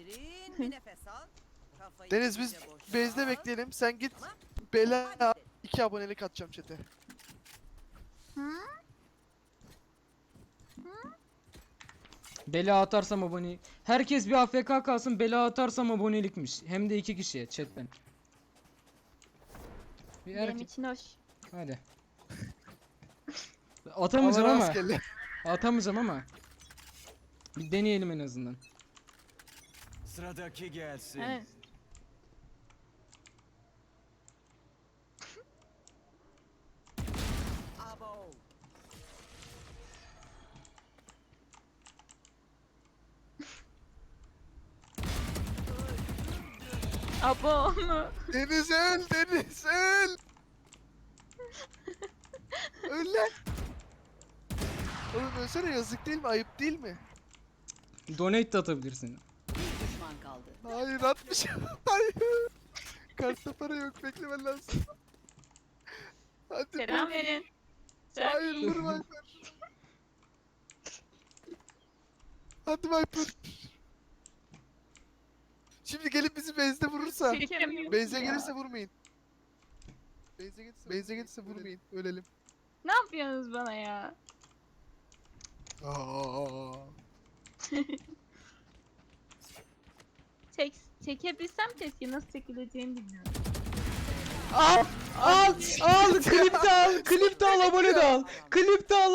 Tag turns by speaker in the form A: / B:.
A: Derin bir nefes al. Kafayı
B: Deniz biz
A: iyice boşalt.
B: base'de bekleyelim. Sen git
A: Tamam.
B: bela
A: Hadi.
B: 2 abonelik atacağım chat'e.
C: Bela atarsam abone. Herkes bir AFK kalsın, bela atarsam abonelikmiş. Hem de 2 kişiye chatten. Bir
D: Benim
C: erkek.
D: için hoş.
C: Hadi. Atamayacağım
B: Allah
C: ama.
B: rastgele.
C: Atamayacağım ama. Bir deneyelim en azından.
E: Sıradaki gelsin.
D: Evet.
A: Abo.
D: Abo mu?
B: Deniz öl, Deniz öl. Öl lan. Oğlum ölsene, yazık değil mi? Ayıp değil mi?
C: Donate de atabilirsin.
A: Bir düşman kaldı.
B: Hayır atmış. Hayır. Kartta para yok, beklemen lazım. Hadi.
D: Selam verin.
B: Hayır vur Viper. Hadi Viper. Şimdi gelip bizi base'de vurursa.
D: Çekemiyorum
B: Base'e
D: ya.
B: gelirse vurmayın. Base'e gelirse vurmayın. Ölelim.
D: Ne yapıyorsunuz bana ya?
B: Aa.
D: Çekebilsem keşke, nasıl çekileceğini bilmiyorum.
C: Al! Al! Al! Klip de al! Klip de al! Abone de al! Klip de al!